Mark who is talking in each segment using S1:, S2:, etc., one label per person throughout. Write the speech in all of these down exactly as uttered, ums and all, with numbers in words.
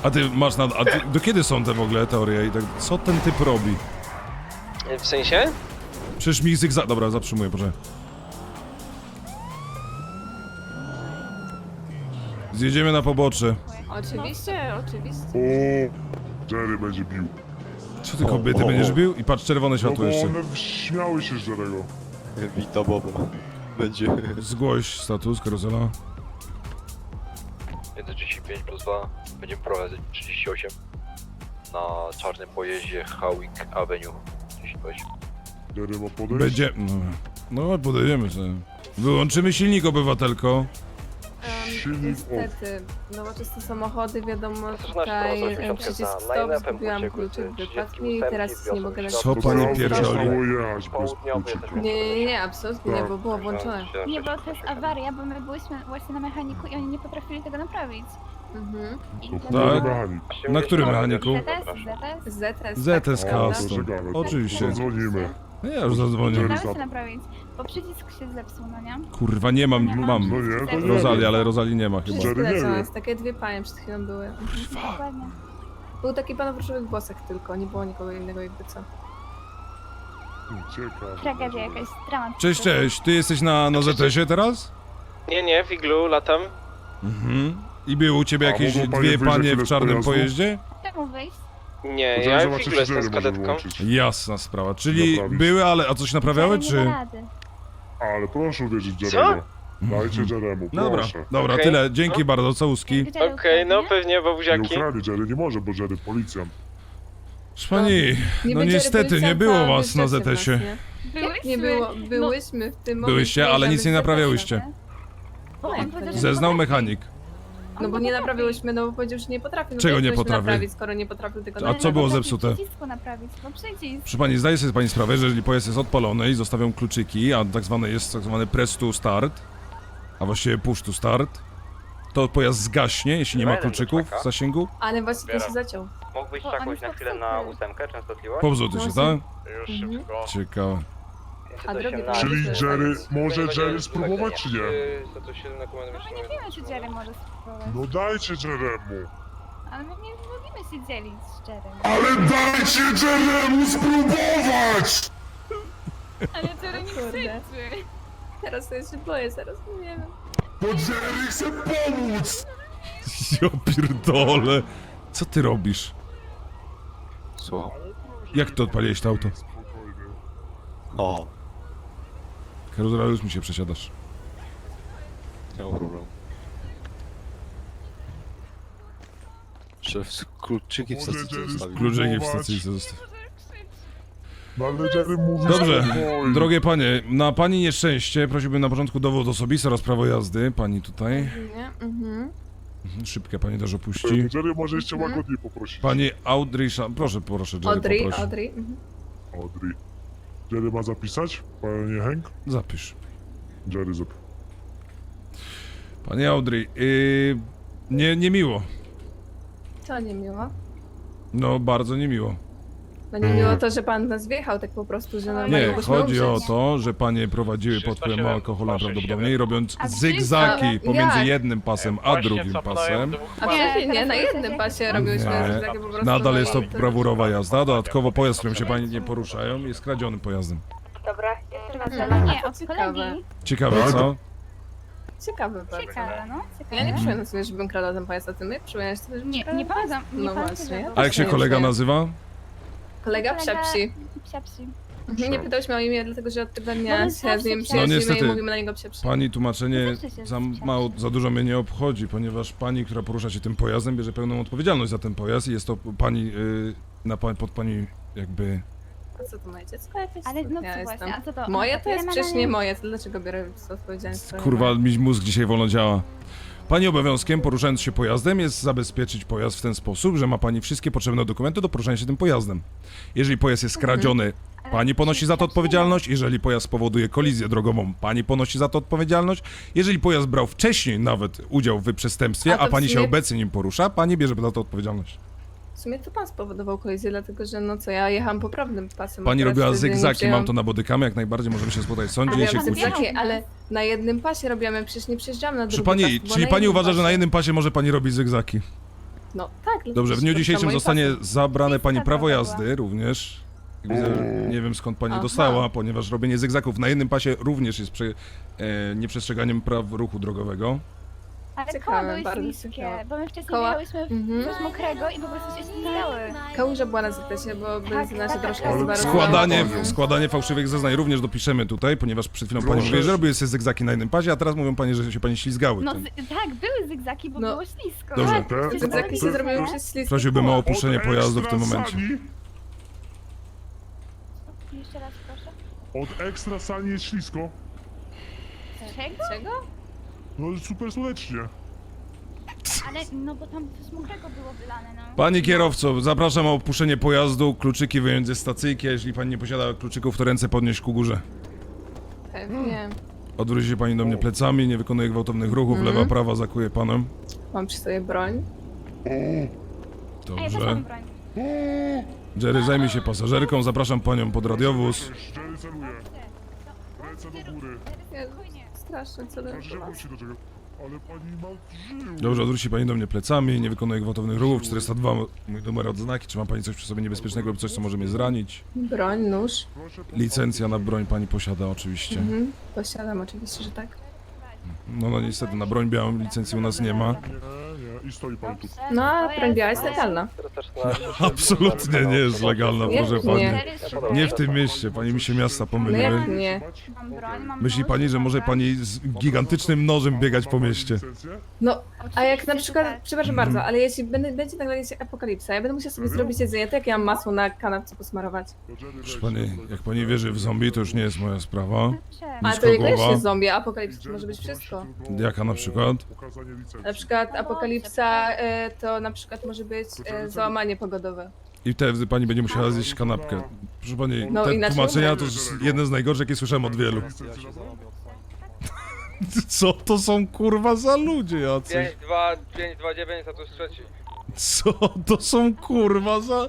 S1: A ty masz na... A ty, do kiedy są te w ogóle teorie i tak... Co ten typ robi?
S2: W sensie?
S1: Przecież mi zygzak... Dobra, zatrzymuję, proszę. Zjedziemy na pobocze.
S3: Oczywiście, oczywiście.
S4: O, Jerry będzie bił.
S1: Co ty kobiety
S4: o,
S1: będziesz
S4: o.
S1: bił? I patrz, czerwone
S4: No
S1: światło
S4: bo
S1: jeszcze.
S4: one śmiały się z Jerry'ego.
S5: Wita Bobo. Będzie.
S1: Zgłoś status, karuzela.
S6: jeden trzydzieści pięć plus dwa. Będziemy prowadzić trzydzieści osiem. Na czarnym pojeździe Howick Avenue. trzydzieści osiem.
S4: Jerry ma podejść?
S1: Będzie... No, no podejdziemy sobie. Wyłączymy silnik, obywatelko.
S4: Silnik
S3: Niestety, nowoczesne samochody, wiadomo,
S6: Zaczynasz
S3: tutaj
S6: prowadząc
S3: e,
S6: osiemset
S3: przycisk
S6: na
S3: stop,
S6: najlepszym
S3: zgubiłam
S6: ucieku
S3: kluczyk
S6: z
S3: wypadł mi i
S6: trzydzieści ósem
S3: teraz nie mogę na
S1: Co
S4: To
S1: pani
S4: auto
S1: pierdoli?
S4: przestało jechać bez
S6: Południowy
S4: kluczyka.
S6: jesteśmy.
S3: Nie, nie, nie, absolutnie nie,
S4: Tak.
S3: bo było włączone.
S7: Nie, bo to jest awaria, bo my byliśmy właśnie na mechaniku i oni nie potrafili tego naprawić.
S3: Mhm.
S7: I
S4: To
S1: Tak.
S4: chujowy mechanik.
S1: Na którym mechaniku?
S7: Z S, Z S.
S3: Z S.
S1: Z S
S4: O,
S1: Cast.
S4: to żegamy.
S1: Oczywiście.
S4: Zadzwonimy.
S1: No ja już zadzwonię.
S4: Jerry
S7: Dało
S4: za-
S7: się naprawić, bo przycisk się zepsuł, no nie?
S1: Kurwa, nie mam, mam.
S4: No nie, to nie.
S1: Rozali, ale Rozali nie ma chyba.
S3: Wszystko
S4: Jerry nie
S3: lecą,
S4: wie.
S3: jest takie dwie panie przed chwilą były. Mhm.
S7: Dokładnie.
S3: Był taki pan w różowych włosach tylko, nie było nikogo innego jakby co.
S4: Ciekawe.
S7: Tragedia jakaś, dramat.
S1: Cześć, cześć. Ty jesteś na, na Z S ie teraz?
S2: Nie, nie, w iglu latam.
S1: Mhm. I były u ciebie
S4: A
S1: jakieś
S4: mogą panie
S1: dwie
S4: wyjść za
S1: panie
S4: chwilę
S1: w
S4: z
S1: czarnym
S4: pojazdu?
S1: pojeździe?
S7: Czemu wyjść?
S2: Nie,
S4: Możemy
S2: ja w
S4: zobaczyć,
S2: iglu
S4: czy
S2: jestem
S4: Jerry
S2: z
S4: może
S2: kadetką.
S4: włączyć.
S1: Jasna sprawa. Czyli
S4: Naprawić.
S1: były, ale a coś naprawiały,
S7: Nie da
S1: czy?
S7: rady.
S4: Ale proszę uwierzyć
S2: Co?
S4: Jerry'ego. Dajcie Jerry'emu,
S1: No dobra,
S4: proszę.
S1: dobra,
S2: Okej.
S1: tyle. Dzięki bardzo, całuski.
S7: Gdzie Jerry
S2: Okej, no
S7: ukradnie?
S2: pewnie,
S4: Nie
S2: babuziaki.
S4: ukradnie Jerry, nie może, bo Jerry policjant.
S1: Proszę pani, no
S3: będzie
S1: niestety nie
S3: policjanta,
S1: było was na
S3: wyszczecie
S1: Z S ie.
S3: nas, nie? Jak nie było, byłyśmy w tym momencie.
S1: Byłyście, ale nic nie naprawiałyście.
S7: Bo on powiedział, że
S1: Zeznał
S7: nie
S1: mechanik.
S3: No bo nie naprawiłyśmy, no bo powiedział, że nie potrafi. No
S1: Czego
S3: to jak
S1: nie
S3: mieliśmy
S1: potrafi?
S3: naprawić, skoro nie potrafił tego
S1: A
S3: naprawić?
S1: co było
S7: potrafi
S1: zepsute?
S7: przycisku naprawić, bo przycisk.
S1: Proszę pani, zdaje sobie pani sprawę, że jeżeli pojazd jest odpalony i zostawią kluczyki, a tak zwany jest tak zwany press to start, a właściwie push to start, to pojazd zgaśnie, jeśli nie ma kluczyków w zasięgu.
S3: Ale właśnie to się zaciął.
S8: Mógłbyś
S7: Bo oni
S8: czekać na
S7: są
S8: chwilę
S7: super.
S8: na ósemkę, częstotliwość?
S1: Pobzuty się, tak?
S8: Już
S3: Mhm.
S8: szybko.
S1: Ciekawe.
S3: A drogi
S4: Czyli
S3: Możemy
S4: Jerry,
S3: zostawić.
S4: może Jerry spróbować, czy nie?
S2: sto siedem na komendę
S7: No nie wiemy, czy Jerry może spróbować.
S4: No dajcie Jerry'emu.
S7: Ale my nie lubimy się dzielić z Jerrym.
S4: Ale dajcie Jerry'emu spróbować!
S7: Ale Jerry nie
S3: Kurde.
S7: krzyczy.
S3: Teraz to ja się boję, zaraz nie wiem.
S4: Bo Jerry chce pomóc!
S1: Ja pierdolę. Co ty robisz?
S5: Słucham.
S1: Jak ty odpaliłeś to auto?
S5: O,
S1: Karuzela, już mi się przesiadasz.
S5: nie ma problemu. Szef z kluczyki w
S4: Może
S5: stacji
S4: Jerry
S5: zostawił.
S1: Kluczyki w stacyjce zostaw.
S4: No ale Jerry mówi
S1: Dobrze,
S4: spokojnie.
S1: drogie panie, na pani nieszczęście prosiłbym na początku dowód osobisty oraz prawo jazdy. Pani tutaj.
S3: Nie? Mhm.
S1: Mhm, Szybkie pani też opuści.
S4: Jerry może jeszcze łagodniej poprosić.
S1: Pani Audrey Sha- proszę, proszę, Jerry
S3: Audrey,
S1: poprosi.
S3: Audrey. Mhm.
S4: Audrey. Jerry ma zapisać? Panie Hank?
S1: Zapisz.
S4: Jerry zap...
S1: Panie Audrey, yy, nie, niemiło.
S3: Co niemiło?
S1: No, bardzo niemiło.
S3: No nie miło to, że pan nas wjechał tak po prostu, że normalnie
S1: Nie,
S3: mogliśmy
S1: chodzi o
S3: umrzeć.
S1: to, że panie prowadziły pod wpływem alkoholu prawdopodobnie, robiąc
S7: A
S1: zygzaki
S3: jak?
S1: pomiędzy jednym pasem a drugim pasem.
S3: Absolutnie nie, na
S7: Nie,
S3: jednym pasie robiłyśmy
S1: Nie.
S3: takie po prostu.
S1: Nadal jest to
S3: no,
S1: brawurowa jazda. Dodatkowo pojazd, którym się pani nie poruszają, jest kradzionym pojazdem.
S7: Dobra, jeszcze
S3: Mhm.
S7: Nie, od
S3: Ciekawe.
S7: kolegi.
S1: Ciekawe,
S4: Tak?
S1: co?
S3: Ciekawe bardzo.
S7: Ciekawe, no. Ciekawe.
S3: Ja nie przypominam sobie, żebym kradła ten pojazd, a ty my przypominasz sobie, że
S7: Nie, nie pamiętam. Nie
S3: No
S7: pamiętam,
S3: właśnie.
S7: że-
S1: A jak się kolega nazywa?
S3: Kolega psiapsi.
S7: Psiapsi.
S3: Nie pytałyśmy o imię, dlatego że od tego dnia
S7: Bo my
S3: się z nim
S7: zawsze
S3: przyjaźnimy
S1: No niestety.
S3: i mówimy na niego psiapsi.
S1: Pani tłumaczenie
S7: Zawsze się
S1: za
S7: zgadzam.
S1: mało, za dużo mnie nie obchodzi, ponieważ pani, która porusza się tym pojazdem, bierze pełną odpowiedzialność za ten pojazd i jest to pani, yy, na pa, pod pani jakby...
S3: A co to moje dziecko jakieś?
S7: Ale no
S3: Ja
S7: co
S3: jestem.
S7: właśnie, a co to?
S3: Moje
S7: a
S3: to jest
S7: ile ma
S3: przecież
S7: na
S3: nie
S7: nim?
S3: moje, to dlaczego biorę odpowiedzialność? za
S1: Kurwa,
S3: moje?
S1: mi mózg dzisiaj wolno działa. Pani obowiązkiem, poruszając się pojazdem, jest zabezpieczyć pojazd w ten sposób, że ma pani wszystkie potrzebne dokumenty do poruszania się tym pojazdem. Jeżeli pojazd jest skradziony,
S7: Ale
S1: pani ponosi za to
S7: psiapsi
S1: odpowiedzialność. Jeżeli pojazd spowoduje kolizję drogową, pani ponosi za to odpowiedzialność. Jeżeli pojazd brał wcześniej nawet udział w przestępstwie,
S3: A to
S1: a
S3: w
S1: pani się
S3: sumie-
S1: obecnie nim porusza, pani bierze za to odpowiedzialność.
S3: W sumie to pan spowodował kolizję, dlatego że no co, ja jechałam poprawnym pasem.
S1: Pani
S3: a teraz
S1: robiła
S3: wtedy nie
S1: zygzaki,
S3: przyjęłam-
S1: mam to na bodykamy, jak najbardziej możemy się spotkać w sądzie i się
S3: Robiłam
S1: kłócić.
S3: zygzaki, ale na jednym pasie robiłam, przecież nie przyjeżdżałam na drugi
S1: Proszę pani,
S3: pas, bo
S1: czyli
S3: na
S1: pani
S3: jednym
S1: uważa, że
S3: pasie.
S1: na jednym pasie może pani robić zygzaki?
S3: No tak.
S1: Dobrze, w dniu
S3: to
S1: dzisiejszym
S3: mój
S1: zostanie
S3: pasek.
S1: zabrane pani
S7: Lista
S1: prawo
S7: drogowa.
S1: jazdy również. Widzę, nie wiem skąd pani
S3: Aha.
S1: dostała, ponieważ robienie zygzaków na jednym pasie również jest prze, e, nieprzestrzeganiem praw ruchu drogowego.
S7: Ale
S3: Ciekawe,
S7: koła były
S3: bardzo
S7: śliskie,
S3: ciekawe.
S7: bo my wcześniej
S3: Koła?
S7: jechałyśmy w
S3: Mhm.
S7: coś mokrego i po prostu się ściskały.
S3: Kałuża była na zakresie, bo benzyna się
S7: tak,
S3: troszkę
S7: tak.
S3: zwarowała.
S1: Składanie,
S3: Mhm.
S1: składanie fałszywych zeznań również dopiszemy tutaj, ponieważ przed chwilą pani
S4: Proszę.
S1: mówiła, że robiły sobie zygzaki na jednym pasie, a teraz mówią pani, że się pani ślizgały.
S7: No
S1: tym.
S7: z, tak, były zygzaki, bo
S3: No.
S7: było ślisko.
S1: Dobrze.
S7: Tak,
S4: Te-
S7: przecież
S3: Zygzaki
S7: było
S3: się
S7: śliskie.
S3: zrobiły przez śliskie
S1: Prosiłbym o
S3: koło.
S1: opuszczenie
S4: Od
S1: pojazdu w tym
S4: ekstra
S1: momencie.
S4: sani-
S7: Jeszcze raz proszę.
S4: Od ekstra sani jest ślisko.
S7: Czego?
S3: Czego?
S4: No super słonecznie.
S7: Ale no bo tam coś mokrego było wylane, no.
S1: Pani kierowco, zapraszam o opuszczenie pojazdu, kluczyki wyjąć ze stacyjki, a jeśli pani nie posiada kluczyków, to ręce podnieść ku górze.
S3: Pewnie.
S1: Odwróci się pani do mnie plecami, nie wykonuje gwałtownych ruchów,
S3: Mhm.
S1: lewa, prawa zakuje panem.
S3: Mam przy sobie broń.
S7: A ja też
S1: Dobrze.
S7: mam broń.
S1: Jerry, zajmij się pasażerką, zapraszam panią pod radiowóz.
S4: Jerry celuje. Ręce do góry.
S3: Ja strasznie co
S4: Proszę się wróci do czego. Ale pani ma żył.
S1: Dobrze, odwróci pani do mnie plecami, nie wykonuje gwałtownych ruchów, czterysta dwa, mój numer odznaki, czy ma pani coś przy sobie niebezpiecznego lub coś, co może mnie zranić?
S3: Broń, nóż.
S4: Proszę
S1: Licencja na broń pani posiada oczywiście.
S3: Mhm. Posiadam oczywiście, że tak.
S1: No, no niestety, na broń białą licencji u nas nie ma.
S4: Nie, nie. I stoi pan tu.
S7: Dobrze,
S3: No, a
S7: to
S3: broń biała
S7: jest
S3: jest legalna.
S2: Teraz też na...
S1: Absolutnie nie jest legalna,
S3: Jak
S1: proszę
S3: nie?
S1: pani.
S7: Jerry,
S1: Nie w tym mieście, pani mi się miasta
S3: No jak
S1: pomyliły.
S3: nie?
S7: Mam broń, mam
S1: Myśli
S7: nóż,
S1: pani, że może
S7: dobra.
S1: pani z gigantycznym nożem biegać po mieście?
S4: Licencję?
S3: No, a jak na
S7: Oczywiście,
S3: przykład,
S7: że tak.
S3: przepraszam bardzo, ale jeśli będę, będzie nagle się apokalipsa, ja będę musiała sobie zrobić jedzenie, to jak ja mam masło na kanapce posmarować?
S4: To Jerry
S1: Proszę
S4: weź,
S1: pani,
S4: tak.
S1: jak pani wierzy w zombie, to już nie jest moja sprawa.
S7: Dobrze.
S3: Ale
S1: Nisko
S3: to niekoniecznie
S1: głowa.
S3: jest zombie, a apokalipsa to może być wszystko.
S1: Jaka na przykład?
S4: Ukazanie licencji.
S3: Na przykład apokalipsa e, to na przykład może być e, załamanie pogodowe.
S1: I wtedy pani będzie musiała zjeść kanapkę. Proszę pani,
S3: No,
S1: te
S3: inaczej
S1: tłumaczenia
S3: umrę.
S1: to jest jedne z najgorszych, jakie słyszałem od wielu.
S4: Licencję na broń?
S1: Co to są kurwa za ludzie jacyś?
S2: pięć dwa pięć dwa dziewięć, status trzeci.
S1: Co to są kurwa za...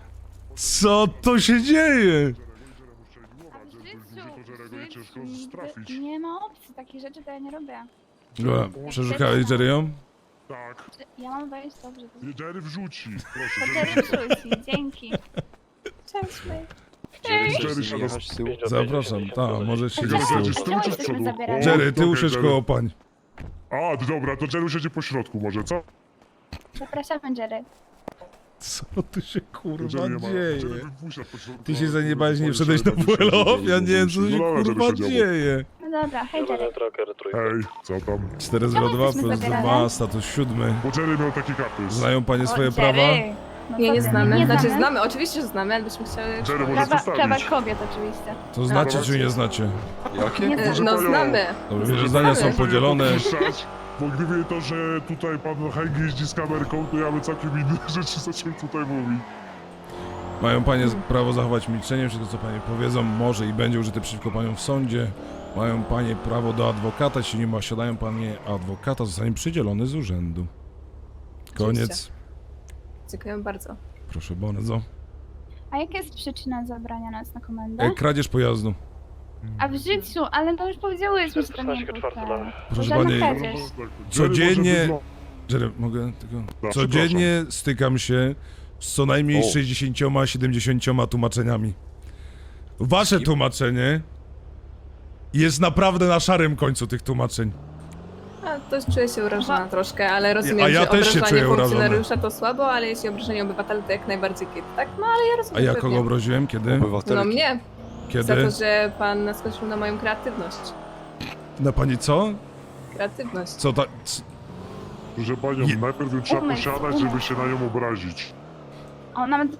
S1: Co to się dzieje?
S7: A w życiu,
S4: To Jerry'ego
S7: w
S4: nie
S7: życiu
S4: ciężko
S7: nigdy
S4: trafić.
S7: nie ma opcji, takie rzeczy to ja nie robię.
S1: Dobra, przeszukałeś Jerry'ą?
S4: Tak.
S7: Ja mam wejść, dobrze. To
S4: Jerry wrzuci.
S7: to
S4: Proszę.
S7: Jerry wrzuci, dzięki.
S3: Cześć, May.
S4: Jerry się
S5: Jechać z tyłu.
S1: Zapraszam, tak, możesz siedzieć
S4: Jerry
S1: z tyłu.
S4: jedzie z tyłu czy z
S7: Jesteśmy
S4: przodu?
S7: zabierani.
S1: Jerry, ty
S4: Okej,
S1: usiądź
S4: Jerry.
S1: koło pań.
S4: A, to dobra, to Jerry siedzi po środku może, co?
S7: Zapraszamy, Jerry.
S1: Co tu się kurwa
S4: Jerry nie ma.
S1: dzieje?
S4: Jerry wypuszcza po środku.
S1: Ty się
S4: a
S1: zaniebałeś, nie
S4: Jerry
S1: wszedłeś na
S4: siedzi, Jerry
S1: W L O?
S4: siedzi,
S1: Ja nie wiem, co
S4: Jerry
S1: się
S4: siedzi. No,
S1: kurwa
S4: Jerry siedział.
S1: dzieje.
S7: No dobra, hej Jerry.
S6: Tracker trójka.
S4: Hej, co tam?
S1: cztery zero dwa
S7: jesteśmy
S1: plus
S7: zabierane?
S1: dwa, status siódmy.
S4: Bo Jerry miał taki kapys.
S1: Znają panie swoje
S7: O,
S1: prawa?
S7: Jerry. No
S3: Nie,
S7: co
S3: nie
S7: ty,
S3: znamy.
S7: Nie
S3: Znaczy
S7: znamy.
S3: znamy, oczywiście, że znamy, ale byśmy chciały...
S4: Jerry może
S7: Prawa, prawa
S4: przedstawić.
S7: kobiet oczywiście.
S1: To znacie czy nie znacie?
S5: Jakie?
S7: Nie
S3: E,
S4: Proszę
S3: No
S4: panią.
S3: znamy.
S1: Dobrze, wiesz, że zdania są
S3: Znamy.
S1: podzielone.
S4: Puszczać, bo gdyby to, że tutaj pan Hank jeździ z kamerką, to ja bym całkiem inne rzeczy zaczął tutaj mówić.
S1: Mają panie z- prawo zachować milczenie, wszystko co panie powiedzą może i będzie użyte przeciwko paniom w sądzie. Mają panie prawo do adwokata, jeśli nie posiadają panie adwokata, zostanie przydzielony z urzędu. Koniec.
S3: Oczywiście. Dziękuję bardzo.
S1: Proszę bardzo.
S7: A jaka jest przyczyna zabrania nas na komendę?
S1: E, kradzież pojazdu.
S7: A w życiu, ale to już powiedziałyśmy, że to nie
S6: czternaście
S7: był
S6: czwarty
S7: to.
S6: lat.
S1: Proszę
S7: Żadna
S1: pani,
S7: kradzież.
S1: Codziennie-
S4: Jerry może
S1: Jerry, mogę tylko...
S4: Da,
S1: Codziennie stykam się z co najmniej
S5: O.
S1: sześćdziesięcioma, siedemdziesięcioma tłumaczeniami. Wasze tłumaczenie jest naprawdę na szarym końcu tych tłumaczeń.
S3: A to czuję się urażona troszkę, ale rozumiem,
S1: A ja
S3: że
S1: też się
S3: obrażanie
S1: czuję urażony.
S3: funkcjonariusza to słabo, ale jeśli obrażenie obywatela to jak najbardziej kit, tak? No ale ja
S1: A
S3: rozumiem.
S1: ja
S3: pewnie.
S1: kogo obraziłem? Kiedy?
S3: No
S5: Obywatelki.
S3: mnie, za
S1: Kiedy?
S3: to, że pan naskoczył na moją kreatywność.
S1: Na pani co?
S3: Kreatywność.
S1: Co ta... c-
S4: Że panią,
S1: Je-
S4: najpierw ją trzeba
S7: Umysł,
S4: posiadać,
S7: umysł.
S4: żeby się na nią obrazić.
S7: O, nawet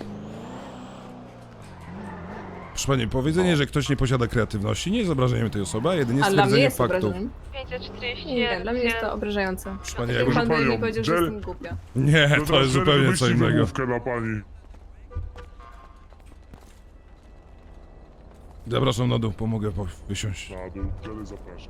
S1: Proszę pani, powiedzenie, że ktoś nie posiada kreatywności nie jest obrażeniem tej osoby, a jedynie
S3: A dla mnie
S1: stwierdzenie
S3: jest
S1: faktów.
S3: obrażeniem. Nie, dla mnie jest to obrażające.
S1: Proszę pani,
S3: Jakby
S1: jakby...
S3: pan by
S4: panią,
S3: mi powiedział, że
S4: Jerry-
S3: jestem głupia.
S1: Nie,
S4: No
S1: to
S4: teraz
S1: jest
S4: Jerry
S1: zupełnie co
S4: wymyśli
S1: innego.
S4: wymówkę dla pani.
S1: Zapraszam na dół, pomogę po- wysiąść.
S4: Na dół, Jerry zapraszam.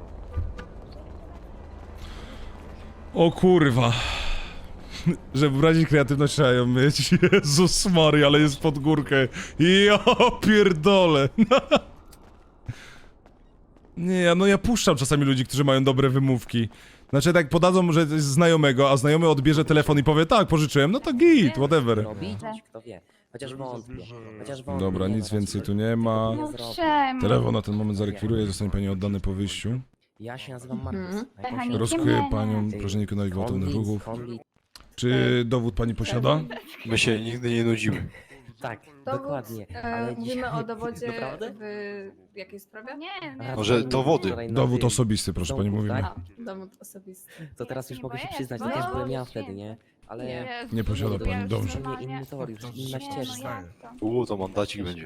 S1: O kurwa. Żeby wyrazić kreatywność trzeba ją mieć. Jezus Maria, ale jest pod górkę. Ja pierdolę. Nie, no ja puszczam czasami ludzi, którzy mają dobre wymówki. Znaczy tak podadzą, że to jest znajomego, a znajomy odbierze telefon i powie tak, pożyczyłem, no to git, whatever.
S8: Robić? Kto wie. Chociaż wątpię. Chociaż wątpię.
S1: Dobra,
S8: nie
S1: nic
S8: no,
S1: więcej
S8: raczej
S1: tu nie ma.
S8: nie
S7: No
S8: zrobię.
S7: czemu?
S1: Telefon na ten moment zarekwiruje, zostanie pani oddany po wyjściu.
S8: Ja się nazywam Markus.
S3: Mhm.
S8: A jakąś-
S7: Mechanikiem
S1: Rozkuję
S7: nie,
S1: panią,
S7: nie.
S1: proszę nie wykonać gwałtownych
S8: Konwit,
S1: ruchów.
S8: konwit.
S1: Czy dowód pani posiada?
S5: My się nigdy nie nudzimy.
S8: Tak,
S3: Dowód,
S8: dokładnie.
S3: e,
S8: Ale
S3: mówimy
S8: dzisiaj...
S3: o dowodzie
S8: Naprawdę?
S3: w jakiej sprawie?
S7: Nie, nie.
S8: A,
S5: Może
S8: to
S5: dowody.
S8: wczoraj na
S1: Dowód
S8: tym
S1: osobisty, proszę pani,
S8: domku,
S1: mówimy.
S8: tak?
S3: A, dowód osobisty.
S8: To teraz już
S7: Nie
S8: mogę się
S7: boję,
S8: przyznać,
S7: boję,
S8: że też byłem ja
S7: boję.
S8: wtedy, nie? Ale
S3: Nie.
S1: Nie posiada pani,
S7: Ja już
S1: dobrze.
S7: normalnie-
S8: Inny tor, już inna
S7: Nie, no
S8: ścieżka.
S7: jak to?
S5: Uuu, to mandacik będzie.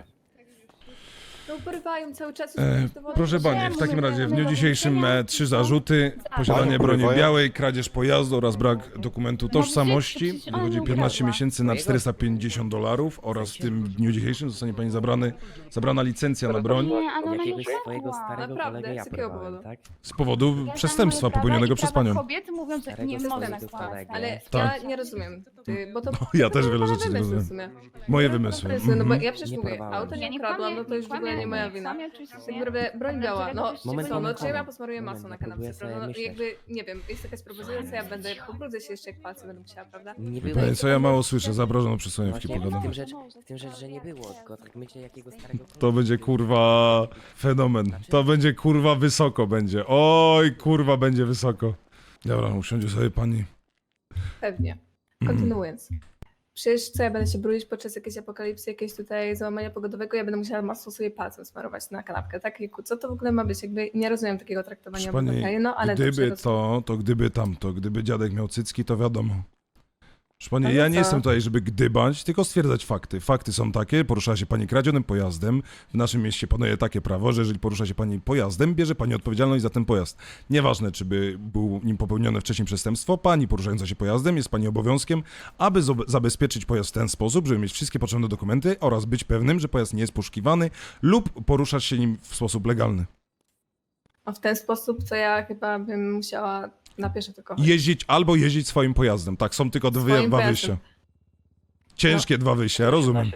S3: No urywają cały czas.
S1: E,
S3: już dowodu.
S1: proszę pani, w
S7: Czemu
S1: takim
S7: my
S1: razie w dniu
S7: mamy
S1: dzisiejszym e, trzy zarzuty. Posiadanie
S5: Panią
S1: broni
S5: porywają?
S1: białej, kradzież pojazdu oraz brak dokumentu tożsamości.
S7: przecież ona
S1: Wychodzi
S7: nie
S1: piętnaście
S7: ukradła.
S1: miesięcy na czterysta pięćdziesiąt dolarów oraz w tym dniu dzisiejszym zostanie pani zabrany, zabrana licencja na broń
S7: Nie, ale ona nie
S8: Jakiegoś swojego
S7: ukradła.
S8: starego
S3: Naprawdę?
S8: kolegę ja
S3: Z jakiego
S8: porwałem,
S3: powodu?
S8: tak?
S1: z powodu
S7: Ja
S1: przestępstwa
S7: znam moje prawa
S1: popełnionego
S7: i
S1: przez
S7: prawa
S1: panią.
S7: kobiety mówią, że
S8: Starego
S7: nie
S8: swojego
S7: mogę nakładać.
S8: kolegę.
S3: Ale
S1: Tak.
S3: ja nie rozumiem, ty, bo to
S1: Ja
S3: to
S1: też
S3: były
S1: wiele
S3: pana
S1: rzeczy nie
S3: wymysły w
S1: rozumiem.
S3: sumie.
S1: Moje
S3: Były pana
S1: wymysły.
S3: wymysły, No bo
S1: Mhm.
S3: ja przecież
S8: Nie
S3: mówię,
S8: porwałem.
S3: auto
S7: Ja
S3: nie
S7: nie
S3: ukradłam,
S7: kłamię,
S3: no to już w ogóle nie moja wina.
S7: kłamię oczywiście,
S3: Tak
S7: nie.
S3: naprawdę broń biała, no
S8: Moment,
S3: co, no
S8: moment,
S3: czy ja
S8: moment.
S3: posmaruję masło na
S8: Moment,
S3: kanapce,
S8: próbuję
S3: prawda?
S8: sobie
S3: No
S8: myśleć.
S3: jakby, nie wiem, jest jakaś propozycja, ja będę, pobrudzę się jeszcze jak palce będę musiała, prawda?
S8: Nie
S1: Wie
S8: było.
S1: pani co, ja mało słyszę, zapraszam przysłoniewki
S8: Właśnie w
S1: pogadam.
S8: tym, rzecz, w tym rzecz, że nie było, tylko tak myślę jakiego starego
S1: To będzie kurwa fenomen. To będzie kurwa wysoko będzie. Oj kurwa będzie wysoko. Dobra, usiądzie sobie pani.
S3: Pewnie.
S1: Mhm.
S3: Kontynuując. Przecież co, ja będę się brudzić podczas jakiejś apokalipsy, jakiegoś tutaj załamania pogodowego, ja będę musiała masło sobie palcem smarować na kanapkę, tak? Jejku, co to w ogóle ma być? Jakby nie rozumiem takiego traktowania
S1: Proszę pani,
S3: obywateli, no ale dobrze,
S1: gdyby
S3: rozumiem.
S1: to, to gdyby tamto, gdyby dziadek miał cycki, to wiadomo. Proszę pani,
S3: Ale
S1: ja nie
S3: co?
S1: jestem tutaj, żeby gdybać, tylko stwierdzać fakty. Fakty są takie, porusza się pani kradzionym pojazdem. W naszym mieście panuje takie prawo, że jeżeli porusza się pani pojazdem, bierze pani odpowiedzialność za ten pojazd. Nieważne, czy by był nim popełnione wcześniej przestępstwo, pani poruszająca się pojazdem jest pani obowiązkiem, aby zob- zabezpieczyć pojazd w ten sposób, żeby mieć wszystkie potrzebne dokumenty oraz być pewnym, że pojazd nie jest poszukiwany lub poruszać się nim w sposób legalny.
S3: A w ten sposób, co ja chyba bym musiała na pieszo tylko chodzić.
S1: Jeździć albo jeździć swoim pojazdem. Tak, są tylko dwie,
S3: Swoim
S1: dwa
S3: pojazdem.
S1: wyjścia. Ciężkie dwa wyjścia, ja rozumiem.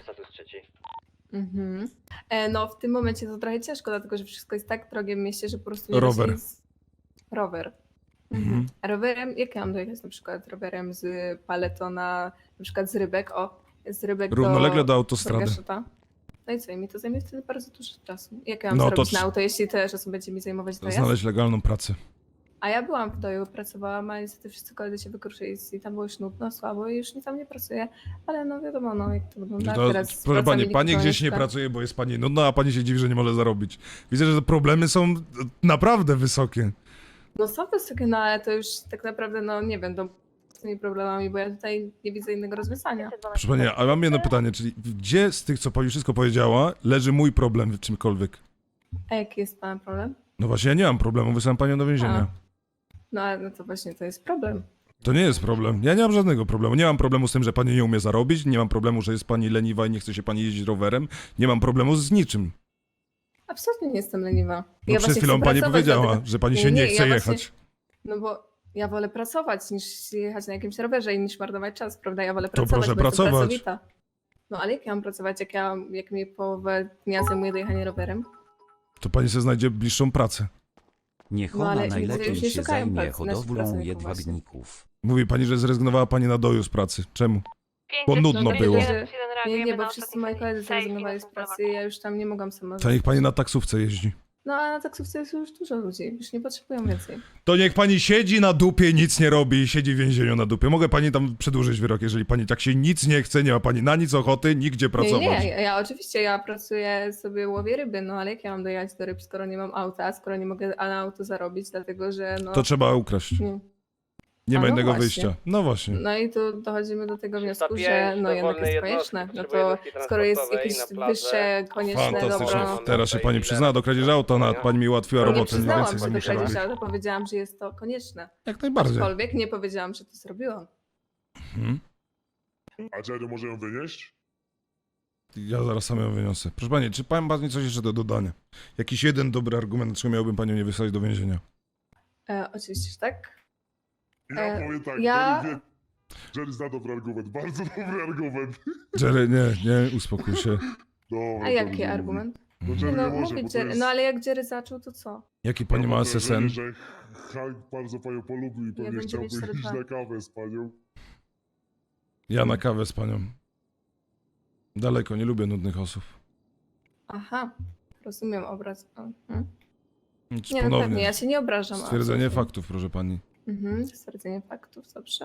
S3: Mhm. E, no w tym momencie to trochę ciężko, dlatego że wszystko jest tak drogie w mieście, że po prostu nie
S1: Rower.
S3: da się z... Rower. Mhm.
S1: Mhm.
S3: A rowerem, jak ja mam dojechać na przykład rowerem z Paletona, na przykład z Rybek, o, z Rybek
S1: Równolegle do
S3: do
S1: autostrady.
S3: Burgaszota. No i co, i mi to zajmie wtedy bardzo dużo czasu. Jak ja mam
S1: No
S3: no,
S1: to
S3: zrobić
S1: trz-
S3: na auto, jeśli tyle czasu będzie mi zajmować dojazd?
S1: Znaleźć legalną pracę.
S3: A ja byłam w doju, pracowałam, a niestety wszyscy koledzy się wykruszyli i tam było już nudno, słabo i już nie tam nie pracuję. Ale no wiadomo, no jak to wygląda
S1: To,
S3: teraz. z
S1: proszę pani,
S3: pracami
S1: pani gdzieś nie
S3: elektroniczna.
S1: pracuje, bo jest pani nudna, a pani się dziwi, że nie może zarobić. Widzę, że te problemy są naprawdę wysokie.
S3: No są wysokie, no ale to już tak naprawdę, no nie wiem, no, z tymi problemami, bo ja tutaj nie widzę innego rozwiązania.
S1: Proszę pani, a mam jedno pytanie, czyli gdzie z tych, co pani wszystko powiedziała, leży mój problem w czymkolwiek?
S3: A jaki jest pana problem?
S1: No właśnie, ja nie mam problemu, wysyłam panią do więzienia.
S3: No ale no to właśnie to jest problem.
S1: To nie jest problem. Ja nie mam żadnego problemu. Nie mam problemu z tym, że pani nie umie zarobić, nie mam problemu, że jest pani leniwa i nie chce się pani jeździć rowerem. Nie mam problemu z niczym.
S3: Absolutnie nie jestem leniwa.
S1: No
S3: Ja
S1: przed
S3: właśnie
S1: chwilą
S3: chcę
S1: pani
S3: pracować,
S1: powiedziała,
S3: dlatego-
S1: że pani
S3: Nie,
S1: się nie,
S3: nie,
S1: chce
S3: ja
S1: jechać.
S3: właśnie- No bo ja wolę pracować niż jechać na jakimś rowerze i niż marnować czas, prawda? Ja wolę
S1: To
S3: pracować,
S1: proszę
S3: bo jestem
S1: pracować.
S3: pracowita. No ale jak ja mam pracować, jak ja jak mi połowę dnia zajmuje dojechanie rowerem?
S1: To pani sobie znajdzie bliższą pracę.
S9: Niech
S3: No,
S9: ona
S3: ale
S9: najlepiej
S3: ludzie już
S9: się
S3: szukają
S9: zajmie
S3: pracy, nasi
S9: hodowlą
S3: pracowników
S9: jedwabników.
S1: Mówi pani, że zrezygnowała pani na doju z pracy. Czemu? Bo nudno
S3: No,
S1: było.
S3: że- Nie, nie, bo wszyscy moi koledzy zrezygnowali z pracy i ja już tam nie mogłam sama
S1: To niech pani na taksówce jeździ.
S3: No a na taksówce jest już dużo ludzi, już nie potrzebują więcej.
S1: To niech pani siedzi na dupie, nic nie robi i siedzi w więzieniu na dupie. Mogę pani tam przedłużyć wyrok, jeżeli pani tak się nic nie chce, nie ma pani na nic ochoty, nigdzie pracować.
S3: Nie, nie, ja, ja oczywiście ja pracuję sobie, łowię ryby, no ale jak ja mam dojechać do ryb, skoro nie mam auta, skoro nie mogę na auto zarobić, dlatego że no...
S1: To trzeba ukraść.
S3: nie.
S1: Nie
S3: A
S1: ma
S3: no
S1: innego
S3: właśnie.
S1: wyjścia. No właśnie.
S3: No i tu dochodzimy do tego wniosku,
S2: trzysta
S3: że
S2: pięć
S3: no jednak
S2: dowolnej
S3: jest
S2: jednostki
S3: konieczne. No
S2: potrzebuje
S3: to
S2: jednostki
S3: skoro jest
S2: transportowej
S3: jakieś
S2: na plażę.
S3: wyższe, konieczne
S1: Fantastycznie.
S3: dobro...
S1: Teraz się pani przyzna do kradzieży auta, nawet pani mi ułatwiła
S3: Nie
S1: robotę, nie
S3: przyznałam
S1: więcej
S3: się
S1: nie
S3: do
S1: musiała
S3: kradzieży,
S1: robić.
S3: ale powiedziałam, że jest to konieczne.
S1: Jak najbardziej.
S3: Aczkolwiek nie powiedziałam, że to zrobiłam.
S1: Mhm.
S4: A dziadziu może ją wynieść?
S1: Ja zaraz sam ją wyniosę. Proszę pani, czy pan ma coś jeszcze do dodania? Jakiś jeden dobry argument, dlaczego miałbym panią nie wysłać do więzienia?
S3: E, oczywiście, że tak.
S4: Ja
S3: E,
S4: powiem tak,
S3: ja-
S4: Jerry, wie... Jerry zna dobry argument, bardzo dobry argument.
S1: Jerry, nie, nie, uspokój się.
S4: Dobra,
S3: A
S4: to
S3: jaki
S4: mówię.
S3: argument?
S4: Bo
S3: Nie
S4: Jerry
S3: no,
S4: nie może,
S3: mówię
S4: bo to
S3: Jerry,
S4: jest...
S3: no ale jak Jerry zaczął, to co?
S1: Jaki pani ma
S4: mam
S1: S S
S4: wrażenie,
S1: N?
S4: że Hank bardzo panią polubił i pewnie
S3: Jeden
S4: chciałby
S3: dziewięć cztery
S4: iść
S3: dwa.
S4: na kawę z panią.
S1: Ja na kawę z panią. Daleko, nie lubię nudnych osób.
S3: Aha, rozumiem obraz. Mhm.
S1: Nic
S3: Nie no
S1: ponownie.
S3: pewnie, ja się nie obrażam.
S1: Stwierdzenie
S3: absolutnie.
S1: faktów, proszę pani.
S3: Mhm, stwierdzenie faktów, dobrze.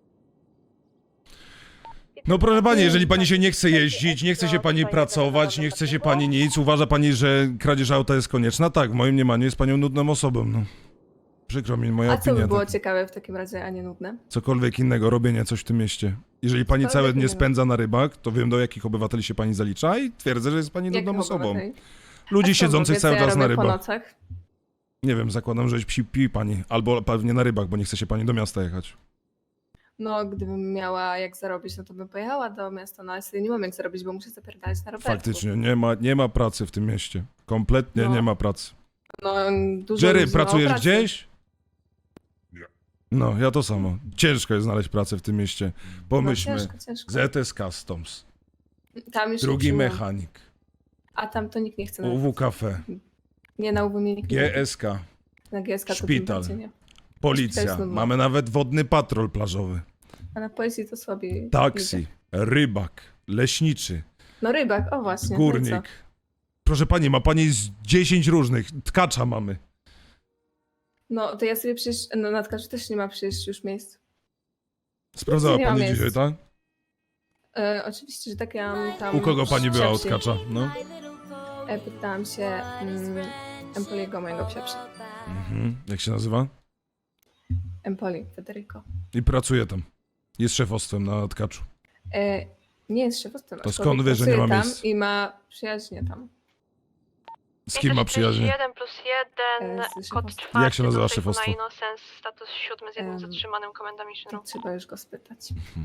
S1: No proszę pani, jeżeli pani się nie chce jeździć, nie chce się pani pracować, nie chce się pani nic, uważa pani, że kradzież auta jest konieczna? Tak, w moim mniemaniu jest panią nudną osobą, no. Przykro mi, moja
S3: A co by
S1: opinia.
S3: było
S1: Tak.
S3: ciekawe w takim razie, a nie nudne?
S1: Cokolwiek innego, robienie coś w tym mieście. Jeżeli pani
S3: Cokolwiek
S1: całe dnie
S3: innego.
S1: spędza na rybach, to wiem, do jakich obywateli się pani zalicza i twierdzę, że jest pani nudną
S3: Jakich
S1: osobą.
S3: obywateli?
S1: Ludzi
S3: A co
S1: siedzących
S3: powie, co
S1: cały
S3: ja
S1: czas na
S3: robię po
S1: rybach.
S3: nocach?
S1: Nie wiem, zakładam, że pi, pi pani, albo pewnie na rybach, bo nie chce się pani do miasta jechać.
S3: No, gdybym miała jak zarobić, no to bym pojechała do miasta, no ale sobie nie mam jak zarobić, bo muszę zapierdalać na rowerku.
S1: Faktycznie, nie ma, nie ma pracy w tym mieście. Kompletnie
S3: No.
S1: nie ma pracy.
S3: No, dużo
S1: Jerry,
S3: ludzi ma
S1: pracujesz
S3: pracy.
S1: gdzieś?
S4: Nie.
S1: No, ja to samo. Ciężko jest znaleźć pracę w tym mieście. Pomyślmy.
S3: No, ciężko, ciężko.
S1: Z E T S Customs,
S3: Tam już
S1: drugi
S3: nie przyjmują.
S1: mechanik,
S3: A tam to nikt nie chce. nawet.
S1: U W Cafe,
S3: Nie, na U W mnie nikt nie
S1: G S K,
S3: Na G S K to
S1: szpital.
S3: tym bardziej nie.
S1: policja.
S3: jest nudno.
S1: Mamy nawet wodny patrol plażowy,
S3: A na policji to słabiej.
S1: taksi,
S3: idzie.
S1: rybak, leśniczy,
S3: No rybak, o właśnie. no i
S1: górnik.
S3: co?
S1: Proszę pani, ma pani z dziesięć różnych. Tkacza mamy.
S3: No to ja sobie przecież, no na tkaczu też nie ma przecież już miejsc.
S1: Sprawdzała
S3: nie ma
S1: pani
S3: miejsc.
S1: dzisiaj, tak?
S3: E, oczywiście, że tak ja mam tam...
S1: U kogo pani była od
S3: psiapsi.
S1: tkacza? No.
S3: E, pytałam się mm, Empoliego, mojego psiapsi.
S1: Mhm. Jak się nazywa?
S3: Empoli, Federico.
S1: I pracuje tam. Jest szefostwem na tkaczu.
S3: E, nie jest szefostwem.
S1: To
S3: aczkolwiek
S1: skąd wie, że nie
S3: pracuje
S1: ma
S3: tam
S1: miejsc?
S3: i ma przyjaźnie tam.
S1: Z kim ma przyjaźnie?
S10: jeden plus jeden,
S3: E, z
S10: kod
S3: szefostwem.
S10: czwarty.
S1: Jak się nazywa
S10: do sejfu
S1: szefostwo?
S10: Na Innocence, status siódmy z jednym
S3: Em,
S10: zatrzymanym, komenda Mission
S3: To
S10: Room.
S3: trzeba już go spytać.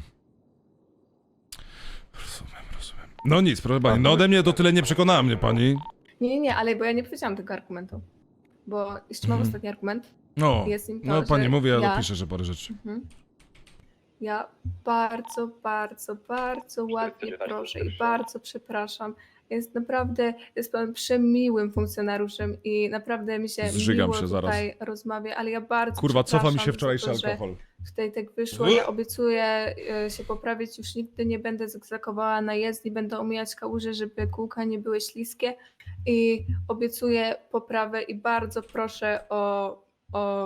S1: Rozumiem, rozumiem. No nic, proszę pani. No ode mnie to tyle nie przekonała mnie pani.
S3: Nie, nie, nie, ale bo ja nie powiedziałam tego argumentu. Bo jeszcze mam
S1: Mhm.
S3: ostatni argument.
S1: No,
S3: Jest nim to,
S1: no pani
S3: że
S1: mówi, ja
S3: ja-
S1: dopiszę, że parę rzeczy.
S3: Mhm. Ja bardzo, bardzo, bardzo ładnie proszę i bardzo przepraszam. Jest naprawdę, jest pan przemiłym funkcjonariuszem i naprawdę mi się
S1: Zżygam
S3: miło
S1: się zaraz.
S3: tutaj rozmawia, ale ja bardzo
S1: Kurwa, cofa mi
S3: przepraszam
S1: się
S3: za
S1: wczorajszy
S3: to, że
S1: alkohol.
S3: Tutaj tak wyszło, ja obiecuję e, się poprawić, już nigdy nie będę zagzakowała na jezdni, będę omijać kałuże, żeby kółka nie były śliskie i obiecuję poprawę i bardzo proszę o, o,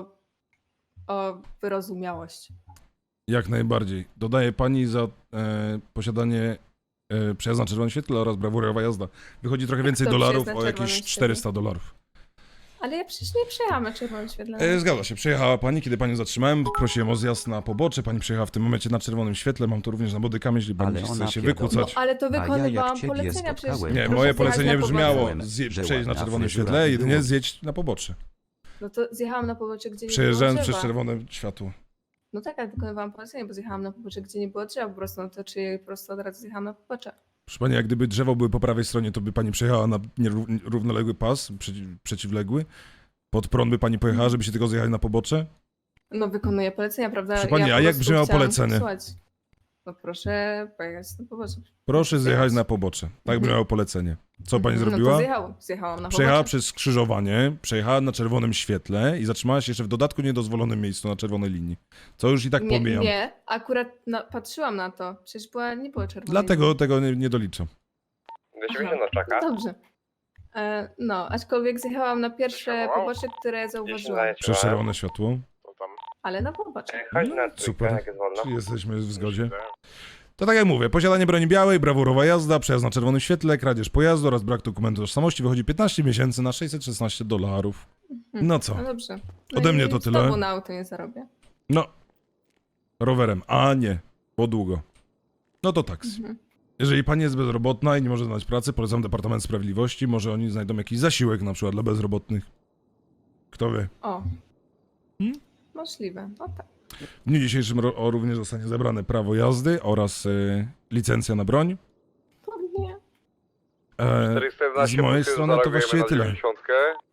S3: o wyrozumiałość.
S1: Jak najbardziej. Dodaję pani za e, posiadanie e, przejazdu na czerwonym świetle oraz brawurowa jazda. Wychodzi trochę więcej
S3: to
S1: dolarów,
S3: przejazd na
S1: o
S3: czerwonym
S1: jakieś
S3: świetle?
S1: czterysta dolarów.
S3: Ale ja przecież nie przejechałam na czerwonym świetle.
S1: E, zgadza się, przejechała pani, kiedy panią zatrzymałem, prosiłem o zjazd na pobocze, pani przejechała w tym momencie na czerwonym świetle, mam to również na bodykamie, jeśli pani
S9: Ale
S1: chce
S9: ona
S1: się
S9: pierdolę.
S1: wykłócać.
S3: No, ale to
S9: A ja jak
S3: wykonywałam
S9: ciebie
S3: polecenia przecież.
S9: spotkałem,
S1: Nie,
S9: proszę
S1: moje
S3: zjechać
S1: polecenie
S3: na
S1: brzmiało,
S3: pobocze.
S1: zje,
S9: że
S1: przejść na
S9: ładna
S1: czerwonym
S9: fryzura
S1: świetle,
S9: i
S1: jedynie
S9: było.
S1: zjeść na pobocze.
S3: No to zjechałam na pobocze, gdzie nie
S1: Przejeżdżając
S3: było
S1: przez
S3: drzewa.
S1: czerwone światło.
S3: No tak, ale wykonywałam polecenie, bo zjechałam na pobocze, gdzie nie było drzewa po prostu, no to czy po prostu od razu zjechałam na pobocze.
S1: Proszę pani, jak gdyby drzewo były po prawej stronie, to by pani przejechała na nieró- równoległy pas, przeciw, przeciwległy. Pod prąd by pani pojechała, żeby się tylko zjechać na pobocze?
S3: No wykonuję polecenia, prawda?
S1: Proszę pani,
S3: ja
S1: a
S3: po
S1: jak
S3: prostu
S1: brzmiało
S3: chciałam
S1: polecenie?
S3: posłuchać. No proszę pojechać na pobocze.
S1: Proszę zjechać
S3: Zjechać.
S1: na pobocze. Tak
S3: Mhm.
S1: by miało polecenie. Co pani
S3: No to
S1: zrobiła?
S3: zjechałam, zjechałam na
S1: Przejechała
S3: pobocze.
S1: przez skrzyżowanie, przejechała na czerwonym świetle i zatrzymała się jeszcze w dodatku niedozwolonym miejscu na czerwonej linii. Co już i tak
S3: nie,
S1: pomijam.
S3: nie, akurat na, patrzyłam na to. Przecież była, nie było czerwone.
S1: Dlatego tego nie, nie doliczam.
S2: dwieście osiemdziesiąt na czaka.
S3: Dobrze. E, no, aczkolwiek zjechałam na pierwsze
S2: Wow.
S3: pobocze, które zauważyłam.
S1: Przez czerwone światło.
S3: Ale na pobocze.
S2: Chodź
S1: No,
S2: na trójkę,
S1: super.
S2: jak jest wolno.
S1: Czyli jesteśmy w zgodzie. To tak jak mówię, posiadanie broni białej, brawurowa jazda, przejazd na czerwonym świetle, kradzież pojazdu oraz brak dokumentu tożsamości wychodzi piętnaście miesięcy na sześćset szesnaście dolarów. No co?
S3: No dobrze. No
S1: Ode
S3: i
S1: mnie to tyle.
S3: Znowu na auto nie zarobię.
S1: No. Rowerem. A nie. Bo długo. No to taksi.
S3: Mhm.
S1: Jeżeli pani jest bezrobotna i nie może znaleźć pracy, polecam Departament Sprawiedliwości. Może oni znajdą jakiś zasiłek na przykład dla bezrobotnych. Kto wie.
S3: O.
S1: Hmm?
S3: Możliwe. No tak.
S1: W dniu dzisiejszym ro- o, również zostanie zebrane prawo jazdy oraz y, licencja na broń.
S3: Pewnie.
S1: E,
S2: czterysta jedenaście
S1: z mojej
S2: punkty,
S1: strony to
S2: zareagujemy
S1: właściwie
S2: na
S1: tyle.
S2: dziewięćdziesiątkę.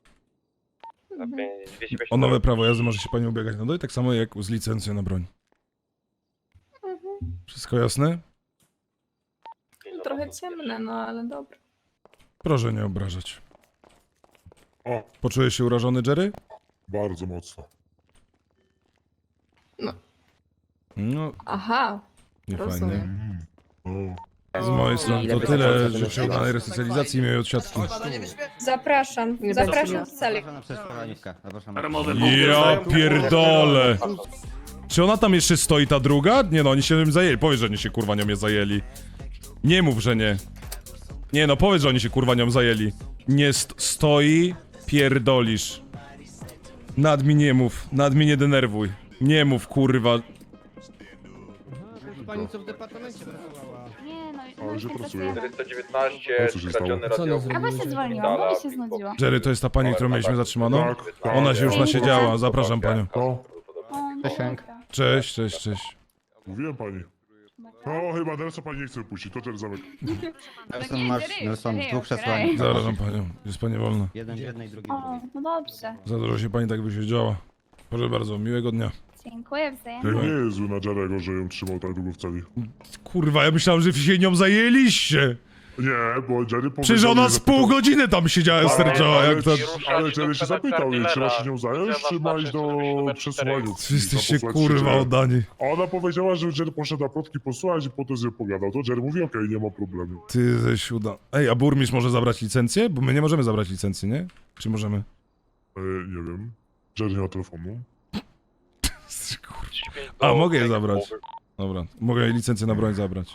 S2: Na
S3: Mhm.
S2: pięć- dwieście pięćdziesiąt
S1: O nowe
S2: dolarów.
S1: prawo jazdy może się pani ubiegać na doj, tak samo jak z licencją na broń.
S3: Mhm.
S1: Wszystko jasne?
S3: Trochę ciemne, no ale dobra.
S1: Proszę nie obrażać.
S4: O,
S1: Poczułeś się urażony, Jerry?
S4: bardzo mocno.
S1: No,
S3: Aha,
S1: nie fajnie.
S3: rozumiem.
S4: Mm. O,
S1: Z mojej strony
S8: Ile
S1: to
S8: by
S1: tyle.
S8: zapłacono
S1: Życzę
S8: za
S1: udanej
S8: to?
S1: resocjalizacji i miłej odsiadki.
S3: Zapraszam,
S11: Nie
S3: zapraszam
S11: będzie
S3: do celi.
S1: Ja pierdolę. Czy ona tam jeszcze stoi, ta druga? Nie no, oni się nim zajęli. Powiedz, że oni się kurwa nią nie zajęli. Nie mów, że nie. Nie no, powiedz, że oni się kurwa nią zajęli. Nie st stoi, pierdolisz. Nad mi nie mów, nad mi nie denerwuj. Nie mów, kurwa.
S11: Pani co w departamencie pracowała.
S7: Nie no,
S4: A,
S7: no
S4: gdzie
S7: tak
S4: pracuje?
S7: pracujemy.
S2: czterysta dziewiętnaście,
S4: O, co się
S2: skradziony
S11: stało? Co ona
S2: radio.
S11: zrobiła?
S7: A bo się zwolniłam, bo mi się znudziło.
S1: Jerry, to jest ta pani, którą mieliśmy zatrzymaną?
S4: tak, tak.
S1: Ona się już nasiedziała, zapraszam panią.
S4: No,
S7: O, no
S11: Cześć, Hank.
S7: dobra.
S1: Cześć, cześć, cześć.
S4: mówiłem pani. No, chyba Nelsa pani nie chce wypuścić, to ten zamek.
S7: Nelson, masz, Nelson, dwóch przesłań.
S1: Zapraszam panią, jest pani wolna.
S11: Jeden w jednej, drugi
S7: O, no dobrze.
S1: Za dużo się pani tak wysiedziała. Proszę bardzo, miłego dnia.
S7: Dziękuję wzajemnie.
S4: To nie jest zły na Jarego, że ją trzymał tak długo w celi.
S1: Kurwa, ja myślałem, że się nią zajęliście.
S4: Nie, bo Jerry powiedział...
S1: Przecież ona
S4: jej,
S1: z
S4: zapytał-
S1: pół godziny tam siedziała,
S4: Ale-
S1: sterczała,
S4: ale-
S1: jak to...
S4: Ale Jerry się zapytał jej, trzeba się nią zająć, czy ma iść do przesłuchania.
S1: Wy jesteście
S4: Zaposłać
S1: kurwa
S4: się.
S1: oddani.
S4: A ona powiedziała, że Jerry poszedł na plotki posłuchać i potem z nią pogadał. To Jerry mówi, okej, nie ma problemu.
S1: Ty ze siuda. Ej, a burmistrz może zabrać licencję? Bo my nie możemy zabrać licencji, nie? Czy możemy?
S4: E, nie wiem. Jerry nie ma telefonu.
S1: A, mogę je zabrać. Dobra, mogę jej licencję na broń zabrać.